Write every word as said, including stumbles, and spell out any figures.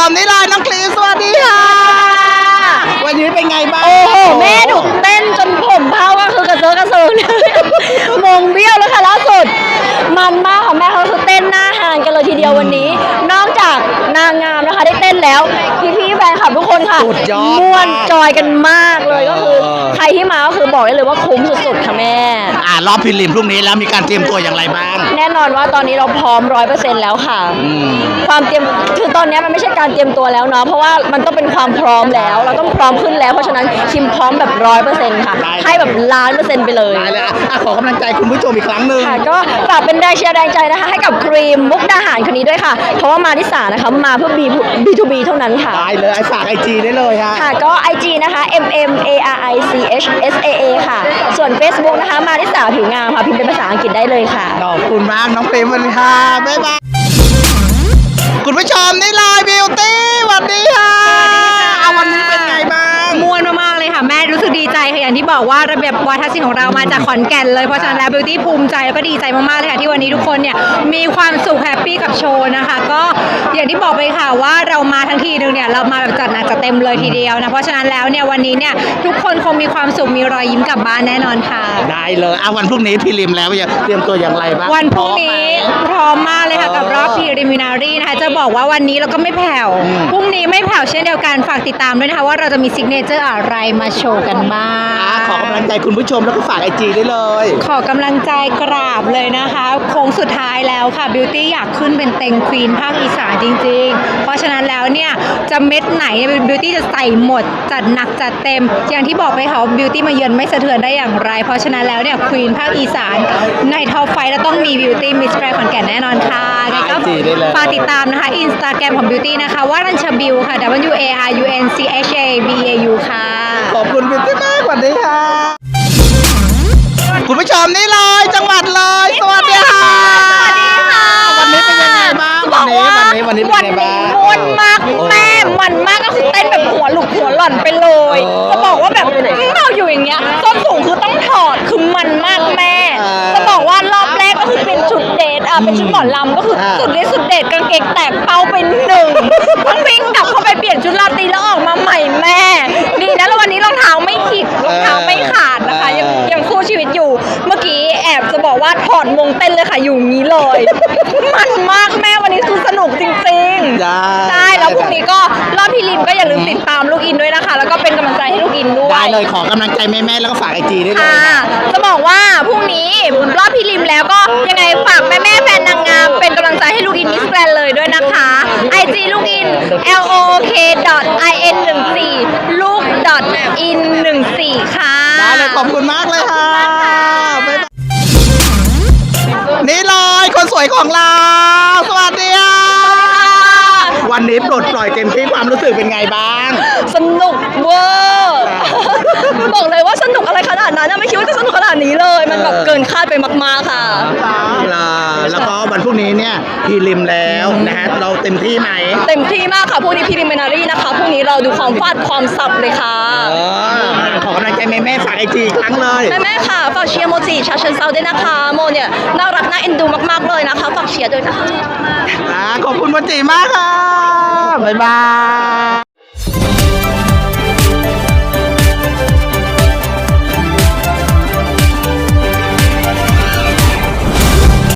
มนี่เลยน้องคลีสวัสดีค่ะวันนี้เป็นไงบ้างโอ้โหแม่ดุเต้นจนผมเผาก็คือกระเซิร์กระเซิร์มงเบี้ยวแล้วค่ะล่าสุดมันมากค่ะแม่เขาคือเต้นหน้าหานกันเลยทีเดียววันนี้นอกจากนางงามนะคะได้เต้นแล้วพี่ๆแฟนคลับทุกคนค่ะม่วนจอยกันมากเลยก็คือใครที่มาก็คือบอกได้เลยว่าคุ้มสุดๆค่ะแม่อ่ารอบพิลิมพรุ่งนี้แล้วมีการเตรียมตัวอย่างไรบ้างแน่นอนว่าตอนนี้เราพร้อมร้อยเปอร์เซ็นต์แล้วค่ะความเตรียมคือตอนนี้มันไม่ใช่การเตรียมตัวแล้วเนาะเพราะว่ามันต้องเป็นความพร้อมแล้วเราต้องพร้อมขึ้นแล้วเพราะฉะนั้นคิมพร้อมแบบร้อยเปอร์เซ็นต์ค่ะให้แบบล้านเปอร์เซ็นต์ไปเลยได้เลยอ่ะขอกำลังใจคุณผู้ชมอีกครั้งหนึ่งค่ะก็ฝากเป็นแรงเชียร์แรงใจนะคะให้กับครีมมุกดาหารคนนี้ด้วยค่ะเพราะว่ามาที่สานะคะมาเพื่อ บี ทู บี เท่านั้นค่ะได้เลยไอ้ฝากไอจีได้เลยค่ะค่ะก็ ไอ จี นะคะ เอ็ม เอ็ม เอ อาร์ ไอ ซี เอช เอส เอ เอ ค่ะส่วน Facebook นะคะมาที่สาผิวงามค่ะพิมพ์เป็นภาษาอังกฤษได้เลยค่ะขอบคุณมากน้องเปรมวันนี้ค่ะบ๊ายบายคุณผู้ชมนี่เลยบิวตี้สวัสดีค่ะเอาวันนี้เป็นไงบ้างมวนมากๆเลยค่ะแม่รู้สึกดีใจค่ะอย่างที่บอกว่าระเบียบวาทศิลป์ของเรามาจากขอนแก่นเลยเพราะฉะนั้นแล้วบิวตี้ภูมิใจแล้วก็ดีใจมากๆเลยค่ะที่วันนี้ทุกคนเนี่ยมีความสุขแฮปปี้กับโชว์นะคะก็อย่างที่บอกไปค่ะว่าเรามาทั้งทีนึงเนี่ยเรามาแบบจัดหนักจัดเต็มเลยทีเดียวนะเพราะฉะนั้นแล้วเนี่ยวันนี้เนี่ยทุกคนคงมีความสุขมีรอยยิ้มกลับบ้านแน่นอนค่ะได้เลยเอาวันพรุ่งนี้พิลิมแล้วจะเตรียมตัวอย่างไรบ้างวันพรุ่งนี้พร้อมมากเลยค่ะกับรอบพรีลิมินารีนะคะจะบอกว่าวันนี้เราก็ไม่แผ่วพรุ่งนี้ไม่แผ่วเช่นเดียวกันฝากติดตามด้วยนะคะว่าเราจะมีซิกเนเจอร์อะไรมาโชว์กันบ้างขอกำลังใจคุณผู้ชมแล้วก็ฝากไอจีได้เลยขอกำลังใจกราบเลยนะคะโค้งสุดท้ายแล้วค่ะบิวตี้อยากขึ้นเป็นเต็งควีนภาคอีสานจริงๆเพราะฉะนั้นแล้วเนี่ยจะเม็ดไหนบิวตี้จะใส่หมดจัดหนักจัดเต็มอย่างที่บอกไปค่ะบิวตี้มาเยือนไม่สะเทือนได้อย่างไรเพราะฉะนั้นแล้วเนี่ยควีนภาคอีสานในท็อปไฟว์แล้วต้องมีบิวตี้มิสแกรนด์ขอนแก่นแน่นอนค่ะก็ฝากติดตามนะคะอินสตาแกรมของบิวตี้นะคะว่ารัญชบิวค่ะ W A R U N C H A B E A U ค่ะขอบคุณบิวตี้มากสวัสดีค่ะคุณผู้ชมนี่เลยจังหวัดเลยสวัสดีค่ะสวัสดีค่ะวันนี้เป็นยังไงบ้างวันนี้วันนี้วันนี้เป็นยังไงบ้างม่วนมากแม่มันมากก็คือเต้นแบบหัวหลุกหัวหล่อนไปเลยจะบอกว่าแบบเราอยู่อย่างเงี้ยส้นสูงคือต้องถอดคือมันมากแม่จะบอกว่ารอบแรกก็คือเป็นชุดเดทอ่ะเป็นชุดหมอลำก็คือสุดฤทธิ์สุดเดชกางเกงแตกเป้าไปหนึ่งต้องวิ่งกลับเข้าไปเปลี่ยนชุดราตรีแล้วออกมาใหม่แม่ดีนะแล้ววันนี้รองเท้าไม่ขีดรองเท้าไม่ขาดนะคะยังยังสู้ชีวิตอยู่เมื่อกี้แอบจะบอกว่าถอดมงเต้นเลยค่ะอยู่งี้เลยมันมากแม่วันนี้คือสนุกจริงๆใช่แล้วพรุ่งนี้ก็รอบพี่ลิมก็อย่าลืมติดตามลูกอินด้วยนะคะแล้วก็เป็นกำลังใจให้ลูกอินด้วยได้เลยขอกำลังใจแม่ๆแล้วก็ฝากไอจีได้เลยจะบอกว่าพรุ่งนี้รอบพี่ลิมแล้วก็ยังไงฝากแม่ๆแฟนนางงามเป็นกำลังใจให้ลูกอินมิสแกรนด์เลยด้วยนะคะ ไอ จี ลูกอิน L O K I N หนึ่งสี่ลูก in หนึ่งสี่ค่ะได้เลยขอบคุณมากเลยค่ะนี่เลยคนสวยของเราสวัสดีค่ะวันนี้ปลดปล่อยเต็มที่ความรู้สึกเป็นไงบ้างสนุกเวอร์บอกเลยว่าสนุกอะไรขนาดนั้นไม่คิดว่าจะสนุกขนาดนี้เลยมันแบบเกินคาดไปมากๆค่ะแล้วก็วันพรุ่งนี้เนี่ยพีริมแล้วนะฮะเราเต็มที่ไหมเต็มที่มากค่ะพรุ่งนี้พีริมินารีนะคะพรุ่งนี้เราดูความฟาดความสับเลยค่ะขอกำลังใจแม่แม่ฝากไอจีครั้งเลยแม่แม่ค่ะฝากเชียร์โมจิชาเชิญเซาด้วยนะคะโมเนี่ยน่ารักน่าเอ็นดูมากๆเลยนะคะฝากเชียร์ด้วยนะคะขอบคุณโมจิมากค่ะบ๊ายบาย